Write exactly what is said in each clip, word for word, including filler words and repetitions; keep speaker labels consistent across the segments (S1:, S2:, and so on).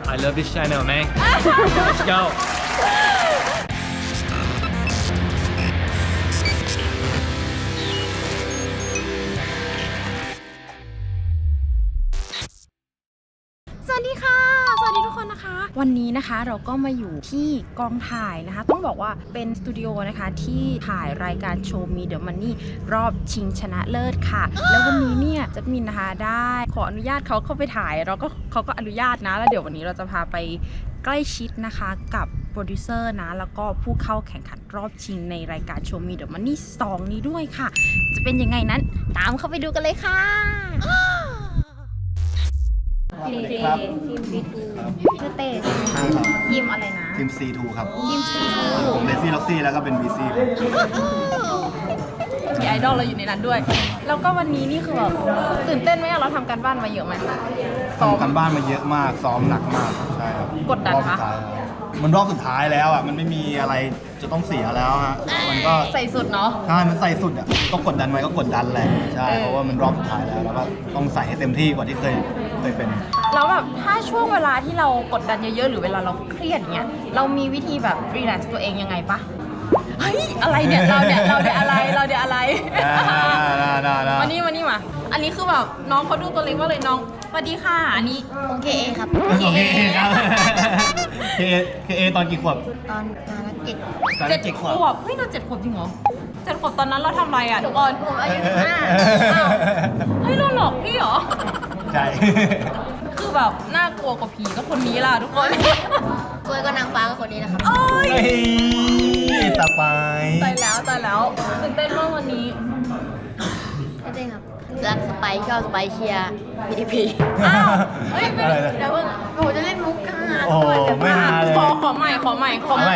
S1: I love this channel man let's go
S2: สวัสดีค่ะสวัสดีทุกคนนะคะวันนี้นะคะเราก็มาอยู่ที่กองถ่ายนะคะต้องบอกว่าเป็นสตูดิโอนะคะที่ถ่ายรายการโชว์มีเดอะมันนี่รอบชิงชนะเลิศค่ะแล้ววันนี้เนี่ยจัดมินนะคะได้ขออนุญาตเขาเข้าไปถ่ายเราก็เขาก็อนุญาตนะแล้วเดี๋ยววันนี้เราจะพาไปใกล้ชิดนะคะกับโปรดิวเซอร์นะแล้วก็ผู้เข้าแข่งขันรอบชิงในรายการโชว์มีเดอะมันนี่สองนี้ด้วยค่ะจะเป็นยังไงนั้นตามเข้าไปดูกันเลยค่ะทีมทีมทีมซีทูชื่อเต้ใช่ไหมยิมอะไรนะ
S3: ทีม ซี ทู ครับ
S2: ยิมซีทู
S3: ผมเลซี่ล็อกซี่แล้วก็เป็น บี ซี
S2: มีไอดอลเราอยู่ในนั้นด้วยแล้วก็วันนี้นี่คือแบบตื่นเต้นไหมเราทำการบ้านมาเยอะไหม
S3: ซ้อมกันบ้านมาเยอะมากซ้อมหนักมากใช่ครับ
S2: กดดันปะ
S3: มันรอบสุดท้ายแล้วอ่ะมันไม่มีอะไรจะต้องเสียแล้วฮะมันก็
S2: ใส่สุดเนาะ
S3: ใช่มันใส่สุดอ่ะก็กดดันไว้ก็กดดันแหละใช่เพราะว่ามันรอบสุดท้ายแล้วแล้วก็ต้องใส่ให้เต็มที่กว่าที่เคยเคยเป็น
S2: แล้วแบบถ้าช่วงเวลาที่เรากดดันเยอะๆหรือเวลาเราเครียดเงี้ยเรามีวิธีแบบรีแลกซ์ตัวเองยังไงปะเฮ้ยอะไรเนี่ยเราเนี่ยเราเนี่ยอะไรเราเนี่ยอะไรวันนี้วันนี้มาอันนี้คือแบบน้องเขาดูตัวเล็กมากเลยน้องสวัสดีค่ะอันนี้
S4: ผมเคเอครับ
S3: เคเอครับเคเอเคเอตอนกี่ขวบ
S4: ตอนมาละเจ็ด
S2: เจ็ดขวบเฮ้ยเราเจ็ดขวบจริงเหรอเจ็ดขวบตอนนั้นเราทำอะไรอ่ะทุกคน
S4: ผมอายุห้า
S2: เฮ้ยเราหลอกพี่เหรอ
S3: ใช่
S2: คือแบบน่ากลัวกว่าผีก็คนนี้ล่ะทุกคน
S4: กลัวก็นางฟ้าก็คนนี้นะครับ
S2: โอ้ย
S3: สบาย
S2: ตายแล้วตายแล้วตื่นเต้นมากวันนี้
S4: ตื่นเต้นครับรักสไปชอบสไปเชียร์พีดีพี
S2: อ้าวเฮ้ยไม่ได้
S4: เดี๋ยวผมจะเล่นมุกกัน
S3: โอ้ไม่หาเลย
S2: ขอขอใหม่ขอใหม่ขอใหม่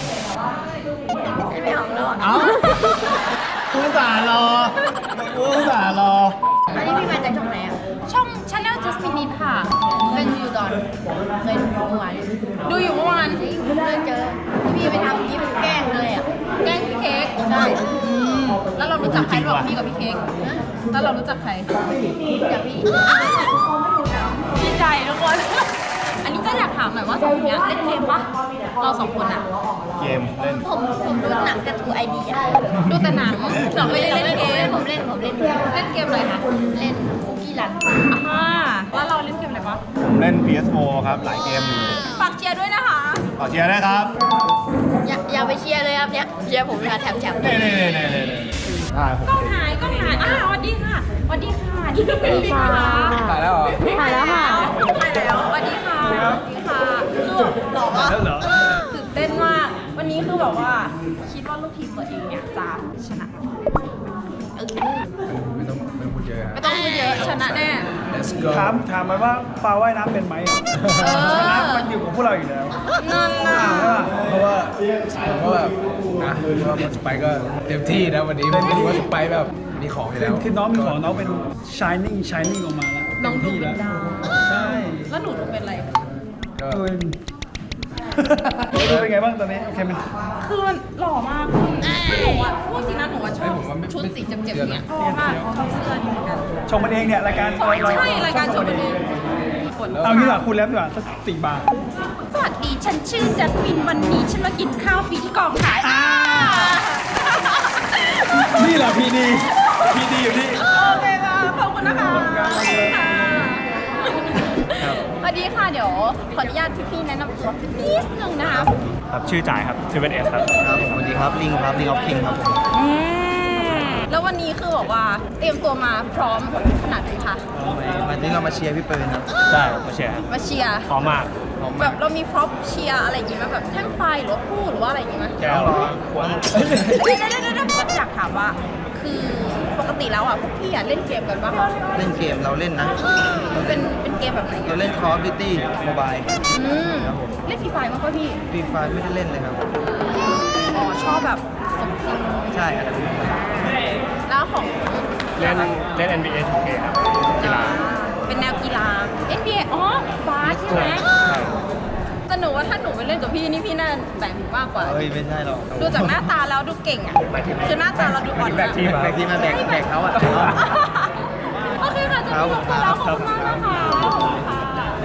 S4: ไม่ออกแล้ว
S3: เอ้าผู้สารอผู้สารอ
S4: อันนี้พี่มาจากช่องไหนอ่ะ
S2: ช่อง Channel Just Minute ค่ะ
S4: เป็นอยู่ตอนเคยดูเมื่อวาน
S2: ดูอยู่เมื่อวาน
S4: จริงเคยเจอพี่ไปทำคลิปแกล้งเลยอ่ะ
S2: แกล้งพี่เค้ก
S4: ใช่
S2: แล้วเรารู้จักใครระหว่างพี่กับพี่เค้กแล้วเรารู้จักใคร
S4: จากพี่
S2: ดีใจทุกคนอันนี้ก็อยากถามหน่อยว่าสองคนนี้เล่นเกมปะเราสองคนอะ
S3: เกมเล่น
S4: ผมผมดูหนังกับทูไอเดีย
S2: ดูแต่หนังเราไม่ได้เล่นเกม
S4: ผมเล่นผมเล่น
S2: เล่นเกมอะไรคะ
S4: เล่นคุกกี้รัน
S2: อ่าแล้วเราเล่นเกมอะไรปะ
S3: ผมเล่น พี เอส โฟร์ ครับหลายเกมอยู่
S2: ฝากเชียร์ด้วยนะคะ
S3: ฝากเชียร์ด้วยครับ
S4: อย่าอย่าไปเชียร์เลยครับเนี่ยเชียร์ผมเวลาแถมแถม
S3: เน่เน่เน่เน่
S2: ได้กล้องหายกล้องหายอ้าวสวัสดีค่ะสวัสดีค่ะที่พี่เป็นค่ะ
S3: ถ่ายแล้วเหรอ
S2: ถ่ายแล้วค่ะถ่ายแล้วสวัสดีค่ะสวัสดีค่ะคือหล่อมากตื่นเต้นมากวันนี้คือแบบว่าคิดว่าลูกทีมตัวเองเนี่ยจะชนะ
S3: ไม่ต้องไม่ต้องพูดเยอะ
S2: ไม่ต้องพูดเยอะชนะแน่
S5: ถามถามมาว่าปลาว่ายน้ำเป็นไหมชนะมันอยู่กับพวกเราอยู่แล้ว
S2: นั่นน่ะ
S5: เพราะว่า
S6: ผมก็แบบนะว่าสไปก็เต็มที่นะวันนี้ไม่รู้ว่าสไปแบบมีของอยู่แล้ว
S5: คือน้องมีของน้องเป็น shining shining ออกมาแล้ว
S2: น้องดูเป็นดาว
S5: ใช่
S2: แล้วหนูดูเป็นอะไร
S5: ก็เป็นเป็นไงบ้างตอนนี้โอเคไหม
S2: คือมันหล่อมากคือหนูอ่ะพูดจริงนะหนูอ่ะชอบชุดสีเจ็บๆเนี่ยชอบมากชอบเสื้อนี่เหมือนกัน
S5: ชมมันเองเนี่ยรายการ
S2: ใช่รายการชมมันเอง
S5: เอางี้ดีกว่าคุณแล้วดีกว่าสักสี่บาท
S2: สวัสดีฉันชื่อจัสมินวันนี้ฉันมากินข้าวฟรีที่กองถ่าย
S5: นี่แหละพีดีพีดีอยู่นี่
S2: โอเคค่ะขอบคุณนะคะสวัสดีค่ะเดี๋ยวขออนุญาตพี่ๆแนะนำตัวนิดนึงนะคะ
S1: ครับชื่อจ่ายครับชื่อเป็นเอสครับ
S3: ครับผมสวัสดีครับลิงครับลิงออฟคิงครับผม
S2: แล้ววันนี้คือบอกว่าเตรียมตัวมาพร้อมขนาดไหนคะ
S3: วันนี้เรามาเชียร์พี่เปิร์นครับ
S1: ใช่มาเชียร์
S2: มาเชียร์
S1: พร้อมมาก
S2: แบบเรามีพร็อพเชียร์อะไรอย่างงี้ไหมแบบแท่งไฟหรือว่าคู่หรือว่าอะไรอย่างงี้ไหม
S1: แก้วขวด
S2: เดี๋ยวเดี๋ยวเดี๋ยวอยากถามว่าคือปกติแล้วอ่ะพวกพี่อ่ะเล่นเกมกันปะ
S3: เล่นเกมเราเล่นนะ
S2: เป็นเป็นเกมแบบไหน
S3: เราเล่น Call of Duty Mobile
S2: อืมเล่นฟรีไฟมั้งป่ะพี่
S3: ฟรีไฟไม่ได้เล่นเลยครับ
S2: อ๋อชอบแบบสมจริง
S3: ใช่ครับ
S2: แล้วของ
S1: เล่นเล่น เอ็น บี เอ ทู เค ครับกีฬา
S2: เป็นแนวกีฬา เอ็น บี เอ อ๋อบาสใช่ไหมแต่หนูว่าถ้าหนูไปเล่นกับพี่นี่พี่น่าแต่งมากกว่า
S3: เฮ้ยไม่ใช่หรอก
S2: ดูจากหน้าตาแล้วดูเก่งอ่ะคือหน้าตาเราดูอ่อน
S3: แบกทีมแบกทีมมาแบกแบกเขาอ่ะ
S2: โอเคค่ะจะมีขอบคุณแล้วขอบคุณมากนะคะเอ้ย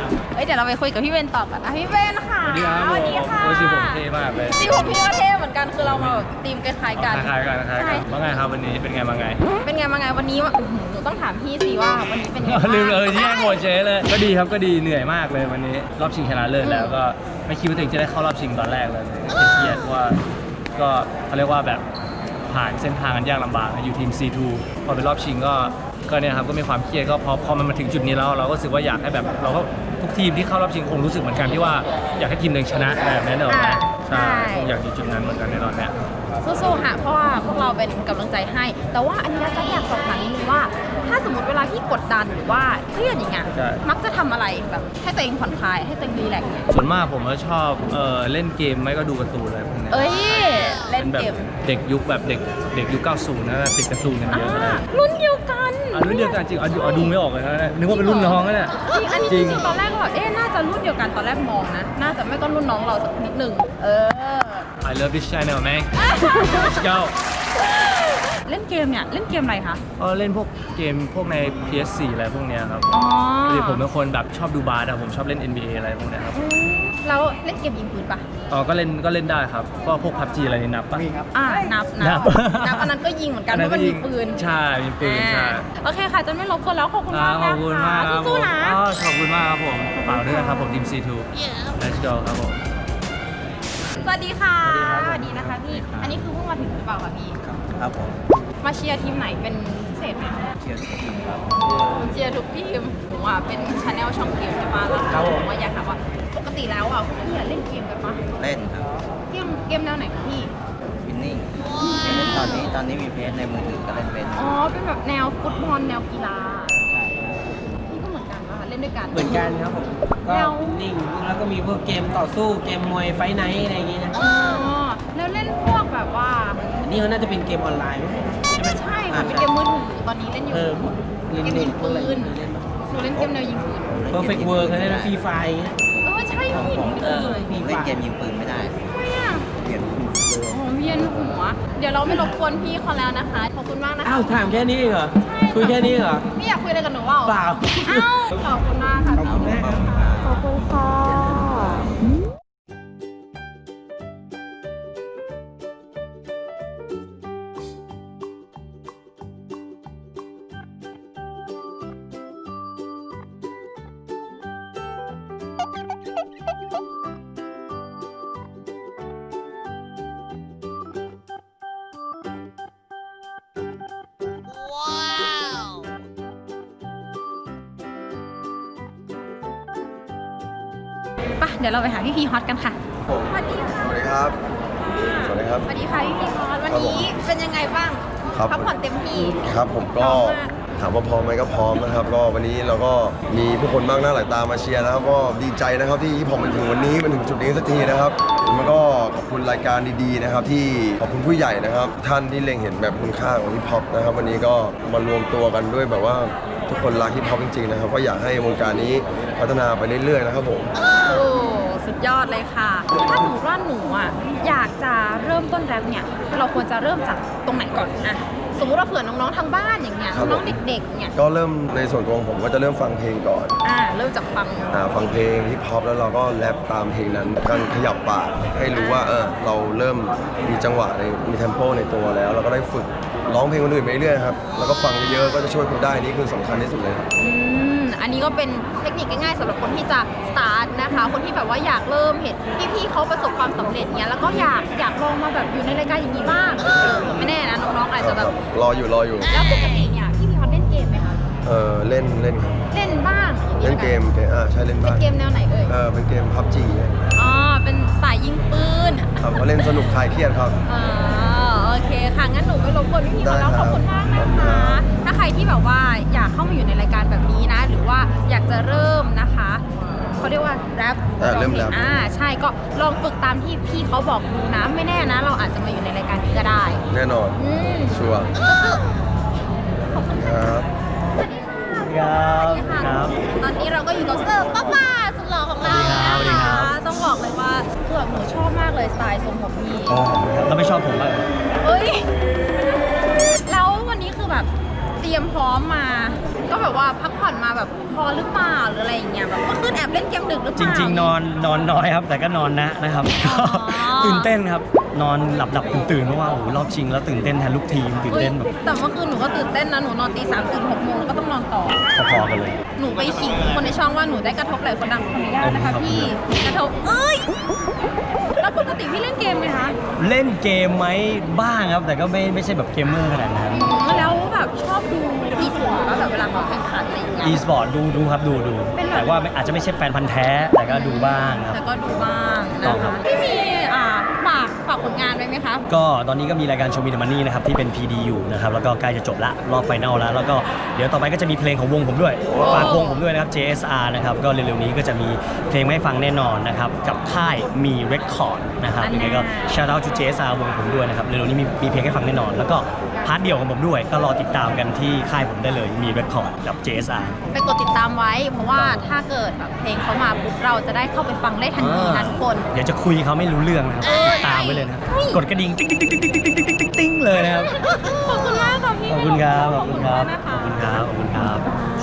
S2: เดี๋ยวเราไปคุยกับพี่เบนต่อกันนะพี่เบนค่ะ
S1: สวัสดีครับ
S2: สวัสดีค่ะ
S1: โอ้ยสีผมเท่มากเลย
S2: สีผมพี่ก็เท่เหมือนกันคือเรามาแบบธีมคล้ายๆกัน
S1: คล้ายๆกันคล้ายๆ
S2: ใช่
S1: กันว่าไงครับวันนี้เป็นไงมาไง
S2: เป็นไงมาไงวันนี้วะอื้อหือหนูต้องถามพี่สิว่าวันนี้เป็นไงบ้าง
S1: ลืมเลยที่แย่งโมเชเลย ก็ดีครับก็ดีเหนื่อยมากเลยวันนี้รอบชิงชนะเลิศแล้วก็ไม่คิดว่าตัวเองจะได้เข้ารอบชิงตอนแรกเลยเครียดเพราะว่าก็เขาเรียกว่าแบบผ่านเส้นทางกันยากลำบากอยู่ทีม ซี ทู พอเป็นรอบชิงก็ก็เนี่ยครับก็มีความเครียดก็พอพอมันมาถึงจุดนี้แล้วเราก็รู้สึกว่าอยากให้แบบเราก็ทุกทีมที่เข้ารอบชิงคงรู้สึกเหมือนกันที่ว่าอยากให้ทีมหนึ่งชนะแบบนั้นเหรอนะใช่คงอยากอยู่จุดนั้นเหมือนกันในตอนเนี้ย
S2: สู้ๆค่ะเพราะว่าพวกเราเป็นกำลังใจให้ แต่ว่าอันนี้เราจะอยากสอบถามนิดนึงว่า ถ้าสมมติเวลาที่กดดันหรือว่าเครียดอย่างเงี้ย
S1: ใช่
S2: มักจะทำอะไรแบบให้ตัวเองผ่อนคลายให้ตัวเองรีแลกซ์เนี่ย
S1: ส่วนมากผมก็ชอบเออเล่นเกมไม่ก็ดูการ์ตูนอะไรพวกนี้
S2: เอ้ยเล่น
S1: ป็แบบ
S2: เกม
S1: เด็กยุคแบบเด็กเด็กยุคเก้าสิบนะติดการ์ตูนกันเย
S2: อ่า
S1: อะเลย
S2: รุ่นเดียวกัน
S1: อ่ะรุ่นเดียวกันจริงอ่ะดูอ่ะดูไม่ออกเลยนะเนี่ยนึกว่าเป็นรุ่นน้องนะเนี่ย
S2: จริงอันนี้
S1: จ
S2: จ
S1: ริ
S2: ริ
S1: ง
S2: งๆตอนแรกก็แบบเอ๊ะน่าจะรุ่นเดียวกันตอนแรกมองนะ น่าจะไม่ก็รุ่นน้องเราสักนิดหนึ่งเออ
S1: I love this channel man let's go
S2: เล่นเกมเนี่ยเล่นเกมอะไรคะ
S1: ก็เล่นพวกเกมพวกใน พี เอส โฟร์ อะไรพวกเนี้ยครับ
S2: อ๋อ
S1: พอดีผมเป็นคนแบบชอบดูบาสอะผมชอบเล่น เอ็น บี เอ อะไรพวกเนี้ยครับ
S2: อืมแล้วเล่นเกมยิงปืนปะ
S1: อ๋อก็เล่นก็เล่นได้ครับก็พวก พับจี อะไรนี่นับปะ
S2: อ่านับ
S1: นั
S2: นับบ นับอันนั้นก็ยิงเหมือนกันเพราะมันมีปืน
S1: ใช่มีปืนใช่
S2: อ่าโอเคค่ะจะไม่รบกวนแล้วขอบคุณ
S1: อ่าม
S2: าก
S1: ขอบคุณมากครับผ
S2: สู้
S1: ม
S2: ๆนะ
S1: อ๋อขอบคุณมากครับผมฝากด้วยนะครับผมทีม ซี ทู let's go ครับผม
S2: สวัสดีค่ะสวัสดีนะคะพี่อันนี้คือเพิ่งมาถึงหรือเปล่าคะพี่
S3: ครับผม
S2: มาเชียร์ทีมไหนเป็นพิเศษไหมคะ
S3: เชียร์ทีมครับ
S2: เชียร์ทุกทีมผมอ่ะเป็นชาแนลช่องเกมใช่ปะแล้ว
S3: ครับผม
S2: ผมว่าอยากถามว่าปกติแล้วอ่ะพวกพี่อะเล่นเกมกันปะ
S7: เล่นครับ
S2: เกมเกมแนวไหนคะพี่
S7: วินนิ่งตอนนี้ตอนนี้มีเพจในมือถือก็เล่นเป็น
S2: อ๋อเป็นแบบแนวฟุตบอลแนวกีฬาพี่ก็เหมือนกันปะคะเล่นด้วยกัน
S8: เหมือนกันครับผม ก็
S2: แล้ว
S8: นิ่งแล้วก็มีพวกเกมต่อสู้เกมมวยไฟท์ไนท์อะไรอย่างงี้นะ
S2: อ๋อแล้วเล่นพวกแบบว่า
S8: อันนี้เขาน่าจะเป็นเกมออนไลน์มั้งใช่ไหม
S2: ใช่ค่ะเป็นเกมมือถือตอนนี้เล่นอยู่
S8: เออพวกเล่น
S2: เกม
S8: เล่
S2: ยิ
S8: น
S2: ง
S8: พวก
S2: ปื
S8: อะไร
S2: น
S8: เล่น
S2: หนูเล่นเกมแนวยิงปืน
S8: เพอร์เฟกต์เวิร์กเขาเล่นฟรีไฟร์อย่างเงี้ย
S2: เออใช่พี่หนูไม่
S8: เอ
S2: เค
S8: อย ฟรี
S7: เล่
S8: ไฟ
S7: น
S8: ร์
S7: เกมยิงปืนไม่ได้
S2: ทำไมอ่ะ
S7: เปลี่ยน
S2: โอ้เวียนหัว เดี๋ยวเราไม่รบกวนพี่เขาแล้วนะคะ ขอบคุณมากนะคะ
S8: อ้าวถามแค่นี้เองเหรอ
S2: ใช่
S8: คุยแค่นี้เหรอ
S2: พี่อยากคุยอะไรกับหนูเปล่า
S8: เปล่า
S2: อ้าวขอบคุณมากค่ะ
S8: ขอบคุณมากครับ
S2: ขอบคุณค่ะไปเดี๋ยวเราไปหาพี่พีฮอตกันค่ะ สวัสดีค่ะ
S9: สวัสดีครับ สวัสดีครับ
S2: สวัสดีค่ะพี่พีฮอตวันนี้เป็นยังไงบ้าง
S9: ครับ
S2: พักผ่อนเต็มที่
S9: ครับผมก็
S2: พร้อมมาก
S9: ถามว่าพร้อมไหมก็พร้อมนะครับ ก็วันนี้เราก็มีผู้คนมากหน้าหลายตามาเชียร์นะครับ ก็ดีใจนะครับที่ผมมาถึงวันนี้มาถึงจุดนี้สักทีนะครับแล้วก็ขอบคุณรายการดีๆนะครับ ที่ขอบคุณผู้ใหญ่นะครับ ท่านที่เล็งเห็นแบบคุณค่าของฮิปฮอปนะครับ วันนี้ก็มารวมตัวกันด้วยแบบว่าทุกคนรักฮิปฮอปจริงๆนะครับ ก็อยากให้วงการนี้พัฒนาไปเรื่อยๆนะครับผม
S2: โอ้สุดยอดเลยค่ะ ถ้าสมมติว่าหนูอ่ะอยากจะเริ่มต้นแรปเนี่ย เราควรจะเริ่มจากตรงไหนก่อนอะสมมติว่าเผื่อน้องๆทางบ้านอย่างเงี้ย
S9: ครับ
S2: น้องๆเด็กๆเนี่ย
S9: ก็เริ่มในส่วนตัวของผมก็จะเริ่มฟังเพลงก่อน
S2: อ่าเริ่มจากฟัง
S9: อ่าฟังเพลงฮิปฮอปแล้วเราก็แรปตามเพลงนั้นการขยับปากให้รู้ว่าเออเราเริ่มมีจังหวะในมีเทมโปในตัวแล้ว เราก็ได้ฝึกร้องเพลงคนอื่นไปเรื่อยๆครับแล้วก็ฟังเยอะๆก็จะช่วยคุณได้นี่คือสำคัญที่สุดเลยครับ
S2: อืมอันนี้ก็เป็นเทคนิคง่ายๆสำหรับคนที่จะสตาร์ทนะคะ คนที่แบบว่าอยากเริ่มเห็นพี่ๆเขาประสบความสำเร็จเนี้ยแล้วก็อยากอยากลองมาแบบอยู่ในรายการอย่างนี้บ้างเออไม่แน่นะน้องๆอาจจะแบบ
S9: รออยู่รออยู่
S2: แล้วปกติเนี่ยพี่พีฮอตเล่นเกมไหมคะ
S9: เออเล่นเล่นครับ
S2: เล่นบ้างอย่าง
S9: เล่น
S2: ละ
S9: เกมเกมอ่าใช่เล่น
S2: เป็น
S9: บ้าง
S2: เกมแนวไหนเอ่ย
S9: เออเป็นเกมพับจี
S2: อ๋อเป็นสายยิงปืน
S9: ครับก็เล่นสนุกคลายเครียดครับ
S2: อ๋อโอเคค่ะงั้นหนูไปรบกวนพี่ๆมาแล้ว
S9: ได้
S2: ข
S9: ครั
S2: อบบ คุณมากนะ
S9: ขอบคุณ
S2: คะ
S9: ครับ
S2: ถ้าใครที่แบบว่าอยากเข้ามาอยู่ในรายการแบบนี้นะ หรือว่าอยากจะเริ่มนะคะเขาเรียกว่าแรป
S9: อ่าเริ่มแรป
S2: อ่าใช่ก็ลองฝึกตามที่พี่เขาบอกดูนะไม่แน่นะ เราอาจจะมาอยู่ในรายการนี้ก็ได้
S9: แน่นอน
S2: อืม
S9: ชัวร์
S2: ขอบคุณ
S9: ค
S2: ค่ะ
S9: รับ
S2: สวัสดีค่ะสวัสดีค่ะ ตอนนี้เราก็อยู่กับเซิร์ฟป้าป้าสุดหล่อของเรา
S1: สวัสดี
S2: นะ
S1: ครั
S2: คะ
S1: บ
S2: ต้องบอกเลยว่าคือแบบหนูชอบมากเลยสไตล์ทรงผมพี่
S1: แล้วไม่ชอบผมบ้าง
S2: เอ้ย แล้ววันนี้คือแบบเตรียมพร้อมมาก็แบบว่าพักผ่อนมาแบบพอหรือเปล่าหรืออะไรอย่างเงี้ยแบบเมื่อคืนแอบเล่นเกมดึกหรือเป
S1: จ
S2: ล่า
S1: ริง ๆ นอนนอนน้อยครับ แต่ก็นอนนะนะครับก็ตื่นเต้นครับ นอนหลับหลับตื่นตื่นเพราะว่าโอ้โหรอบชิงแล้วตื่นเต้นแทนลูกทีมตื่น
S2: เฮ้ย
S1: เต้นแบบ
S2: แต่เมื่อคืนหนูก็ตื่นเต้นนะหนูนอนตีสามตื่นหกโมงแล้วก็ต้องนอนต่อ
S1: พอๆกันเลย
S2: หนูไปขิงคนในช่องว่าหนูได้กระทบไหล่คนดังขออนุญาตนะคะพี่กระทบเอ้ยแล้วปกติพี่เล่นเกมไหมคะ
S1: เล่นเกมไหมบ้างครับ แต่ก็ไม่ไม่ใช่แบบเกมเมอร์ขนาดนั้น
S2: แล้วแบบชอบดูอีสปอร์ตแบบเวลาเขาแข่งขันอะไรอย่างเงี้ย
S1: e สปอร์ตดูดูครับดูดู
S2: เป็นแบบ
S1: แต่ว่าไม่อาจจะไม่ใช่แฟนพันธ์แท้แต่ก็ดูบ้างครับ
S2: แต่ก็ดูบ้าง
S1: ต้
S2: นะ
S1: องครั
S2: คะ
S1: บ
S2: พี่มีอ่าฝากฝากผลงานไว้ไหมคะ
S1: ก็ตอนนี้ก็มีรายการโชว์มีเดอะมันนี่นะครับที่เป็น พี ดี อยู่นะครับแล้วก็ใกล้จะจบละรอบไฟนอลแล้วแล้วก็เดี๋ยวต่อไปก็จะมีเพลงของวงผมด้วยฝากวงผมด้วยนะครับ เจ เอส อาร์ นะครับก็เร็วๆนี้ก็จะมีเพลงมาให้ฟังแน่นอนนะครับกับค่ายมีเรคคอร์ดนะครับ
S2: อัน
S1: ยัง
S2: น่า
S1: ไงก็ shout out to เจ เอส อาร์ วงผมด้วยนะครับเร็วๆนี้มีมีเพลงให้ฟังแน่นอน แล้วก็พาร์ทเดี่ยวของผมด้วยก็รอติดตามกันที่ค่ายผมได้เลยมีเรคคอร์ดกับ เจ เอส อาร์
S2: ไปกดติดตามไว้ เพราะว่าถ้าเกิดแบบเพลงเขามาปุ๊บเราจะได้เข้าไปฟังได้ทันทีนะทุกคน
S1: เดี๋ยวจะคุยเขาไม่รู้เรื่องนะครับติดตามไว้เลยนะครับกดกระดิ่งติ๊งติ๊งติ๊งติ๊งติ๊งติ๊งติ๊งติ๊งติ๊งเลยนะครับ
S2: ขอบคุณมากค่ะพี่
S1: ขอบคุณครับขอบคุณครับ
S2: มากนะ
S1: ขอบ
S2: คะ
S1: คุณครับขอบคุณครับ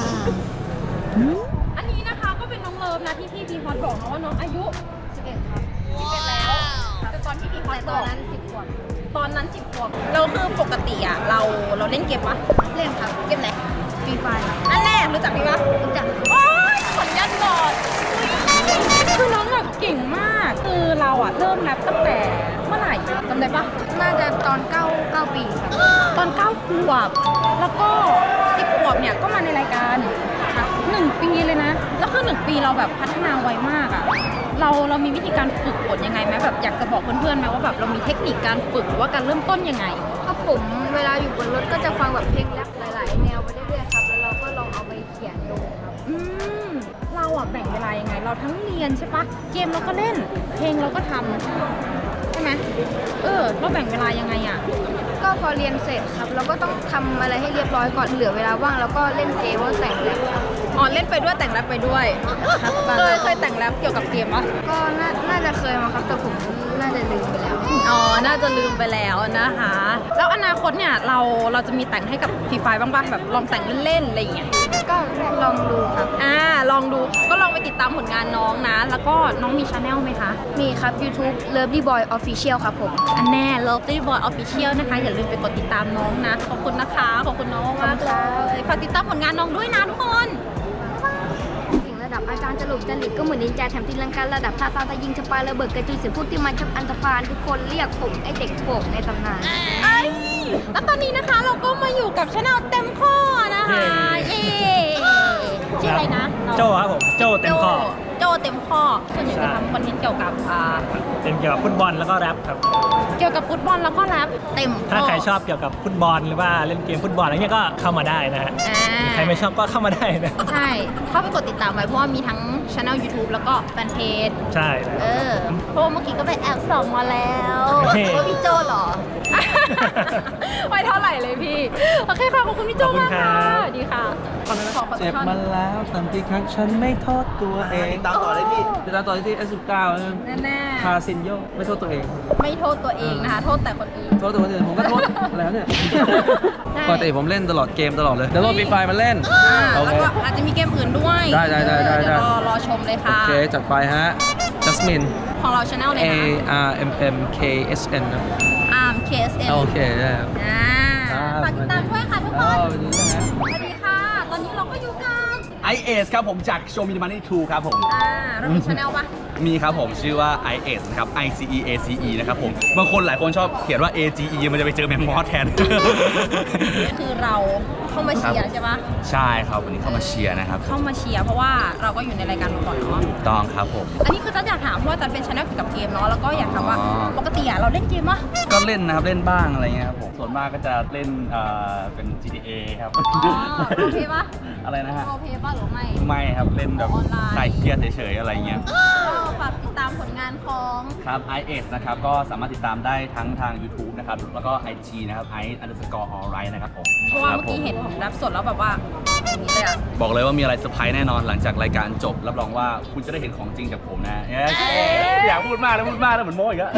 S2: อันนี้นะคะก็เป็นน้องเลิฟนะที่พี่พีพอดบอกนะว่าน้องอายุสิบเอ็ดครับสิบเอ็ดแล้วแต่ตอนพี่พีพอดบอกนั้นสิบขวบตอนนั้นสิบขวบเราคือปกติอ่ะเราเราเล่นเกมปะเล่นครับเกมไหนฟรีไฟร์อันแรกรู้จักพี่ปะรู้จักโอ๊ยขนยันบอดคือน้องแบบเก่งมากคือเราอ่ะเริ่มนับตั้งแต่เมื่อไหร่จำได้ปะน่าจะตอนเก้าเก้าปีครับตอนเก้าขวบแล้วก็สิบขวบเนี่ยก็มาในรายการครับหนึ่งปีเลยนะแล้วคือหนึ่งปีเราแบบพัฒนาไวมากอ่ะเราเรามีวิธีการฝึกฝนยังไงไหมแบบอยากจะบอกเพื่อนๆไหมว่าแบบเรามีเทคนิคการฝึกหรือว่าการเริ่มต้นยังไง
S10: ครับผมเวลาอยู่บนรถก็จะฟังแบบเพลงแรปหลาย ๆ แนวไปเรื่อยๆครับ แล้วเราก็ลองเอาไปเขียนดูครับ
S2: อืมเราอ่ะแบ่งเวลายังไง เราทั้งเรียนใช่ปะเกมเราก็เล่น เพลงเราก็ทำใช่ไหมเออเราแบ่งเวลายังไงอ่ะ
S10: ก็พอเรียนเสร็จครับ เราก็ต้องทำอะไรให้เรียบร้อยก่อนเหลือเวลาว่างแล้วก็เล่นเกมว่าแต่งแรปครับ
S2: อ๋อเล่นไปด้วยแต่งแรปไปด้วยเคยเคยแต่งแรปเกี่ยวกับเกมปะ
S10: ก็น่าน่าจะเคยมาครับแต่ผมน่าจะลืมไปแล้ว
S2: อ๋อ น่าจะลืมไปแล้วนะคะ แล้วอนาคตเนี่ยเราเราจะมีแต่งให้กับฟรีไฟบ้างป่ะแบบลองแต่งเล่นๆอะไรอย่างเงี้ย
S10: ก็ลองดูครับ
S2: อ่าลองดูก็ลองไปติดตามผลงานน้องนะ แล้วก็น้องมีชาแนลไหมคะ
S10: มีครับ YouTube Lovely Boy Official ครับผม
S2: อันแน่ Lovely Boy Official นะคะ อย่าลืมไปกดติดตามน้องนะ ขอบคุณนะคะ ขอบคุณน้องมากๆเลยฝากติดตามผลงานน้องด้วยนะทุกคน
S10: ถึงระดับอาจารย์จรุกจริตก็เหมือนนินจาแถมตีลังการะดับท่าตาตะยิงสปายระเบิดกระจุยเสียงพูดที่มันชับอันธพาลทุกคนเรียกผมไอเด็กโป่งในตำนาน
S2: ไอ้แล้วตอนนี้นะคะเราก็มาอยู่กับชาแนลเต็มข้อนะคะเย้ชื่ออะไรนะน้อง
S1: โจครับผมโจเต็มข้อ
S2: โจเต็มข้อส่วนใหญ่จะทำคอนเทนต์เกี่ยวกับอ่า
S1: เป็นเกี่ยวกับฟุตบอลแล้วก็แรปครับ
S2: เกี่ยวกับฟุตบอลแล้วก็แรปเต็มข้อ
S1: ถ้าใครชอบเกี่ยวกับฟุตบอลหรือว่าเล่นเกมฟุตบอลอะไรเงี้ยก็เข้ามาได้นะฮะ
S2: อ่า
S1: ใครไม่ชอบก็เข้ามาได้นะ
S2: ใช่เข้าไปกดติดตามไว้เพราะว่ามีทั้งช anel YouTube แล้วก็แฟนเพจ
S1: ใช่
S2: เออเพราะว่าเมื่อกี้ก็ไปแอบส่องมาแล้ว
S1: เฮ้
S2: ว่าพี่โจเหรอ ไม่เท่าไหร่เลยพี่ โอเคค่ะ ขอบคุณพี่โจมากค่ะสวัสดีค่ะขอขอขอ
S8: เจ็บมาแล้วตามกี่ครั้งฉันไม่โทษตัวเองตามต่อเลยพี่ตามต่อที่ เอส สิบเก้า
S2: แน่
S8: คาซินโยไม่โทษตัวเอง
S2: ๆไม่โทษตัวเองนะคะ โทษแต่คนอื่น
S8: โทษตัวคนอื่นผมก็โทษแล้วเนี่ยปกติผมเล่นตลอดเกมตลอดเลยเดี๋ยวโหลดฟรีไฟมาเล่น
S2: อ่า
S8: โอ
S2: แล้ว
S8: เค
S2: ก็อาจจะมีเกมอื่นด้วย
S8: ได้ได้ได้ได้
S2: เดี๋ยวรอรอชมเลย
S8: โอ
S2: ค่ะ
S8: เคจัดไปฮะ Jasmine
S2: ของเราช anel เลย
S8: A
S2: นะ
S8: R M M K S N นะ
S2: Arm เค เอส เอ็น
S8: โอเคได้ครับ
S2: อ่า
S8: ครับ
S2: ฝากติดตามด้วยค่ะทุกค
S8: อ้าน ววันนี้นะฮะ
S2: สวัสดีค่ะ ตอนนี้เราก็อยู่กับ
S11: ไอเอสครับผมจากโชว์มินิมันนี่ทูครับผม
S2: อ่าเรามีช anel ปะ
S11: มีครับผมชื่อว่า ไอ เอส นะครับ I C E A C E นะครับผม บางคนหลายคนชอบเขียนว่า A G E มันจะไปเจอแมงมอสแทน
S2: คือเราเข้ามาเชียร์ใช่ปะ
S11: ใช่ครับวันนี้เข้ามาเชียร์นะครับ
S2: เข้ามาเชียร์เพราะว่าเราก็อยู่ในรายการมาก่อนเนาะ
S11: ถูกต้องครับผม
S2: อันนี้คือจันอยากถามเพราะว่าจันเป็นช anel เกี่ยวกับเกมเนาะ แล้วก็อยากถามว่า
S11: อ๋อ
S2: ปกติอะเราเล่นเกมปะ
S11: ก็เล่นนะครับเล่นบ้างอะไรเงี้ยครับผม ส่วนมากก็จะเล่นเอ่อเป็น G T A ครับ
S2: อ๋อโอเคปะ
S11: อะไรนะฮะ
S2: โอเคปะหรือไม่
S11: ไม่ครับเล่นแบบ
S2: ออนไลน์
S11: คลายเครียดเฉยๆอะไรเงี้ย
S2: ก็ฝากติดตามผลงานของ
S11: ครับ ไอ เอส นะครับ ก็สามารถติดตามได้ทั้งทาง YouTube นะครับ แล้วก็ ไอ จี นะครับ i underscore alright นะครับผม
S2: เพราะว่า
S11: คบ
S2: เมื่อกี้
S11: ผ
S2: เห็นผมรับสดแล้วแบบว่าอย่างนี้เลยอะ
S11: บอกเลยว่ามีอะไรเซอร์ไพรส์แน่นอนหลังจากรายการจบ รับรองว่าคุณจะได้เห็นของจริงจากผมนะเอ๊ะอยากพูดมากแล้วพูดมากแล้วเหมือนโม้อีกแล้ว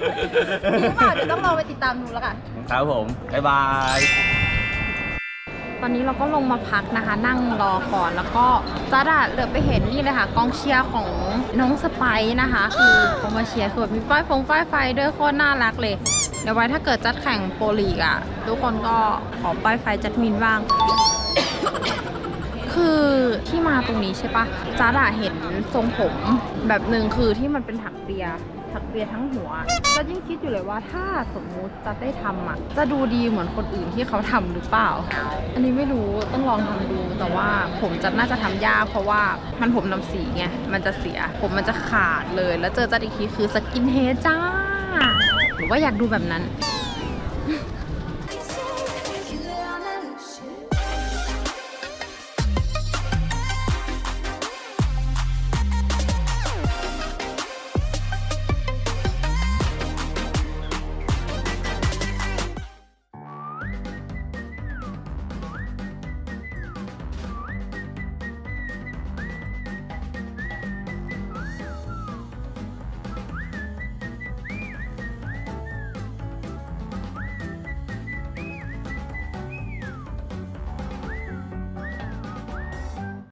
S2: หรือเปล่าเดี๋ยวต้องลองไปติดตามดูแล้วกัน
S11: ครับผม บ๊ายบาย
S2: ตอนนี้เราก็ลงมาพักนะคะ นั่งรอก่อนแล้วก็จัดอะเหลือไปเห็นนี่เลยค่ะกองเชียร์ของน้องสไปซ์นะคะ คือเขามาเชียร์คือแบบมีป้ายฟงป้ายไฟด้วยโคตรน่ารักเลยเดี๋ยวไว้ถ้าเกิดจัดแข่งโปรลีกอะทุกคนก็ขอป้ายไฟจัดมินบ้าง คือที่มาตรงนี้ใช่ปะจ๊าดอะเห็นทรงผมแบบหนึ่งคือที่มันเป็นถักเปียถักเปียทั้งหัวก็ยิ่งคิดอยู่เลยว่าถ้าสมมุติจะได้ทำอ่ะจะดูดีเหมือนคนอื่นที่เขาทำหรือเปล่า อันนี้ไม่รู้ต้องลองทำดูแต่ว่าผมจะน่าจะทำยากเพราะว่ามันผมนำสีไงมันจะเสียผมมันจะขาดเลยแล้วเจอจัดอีกทีคือสกินเฮดจ้าหรือว่าอยากดูแบบนั้น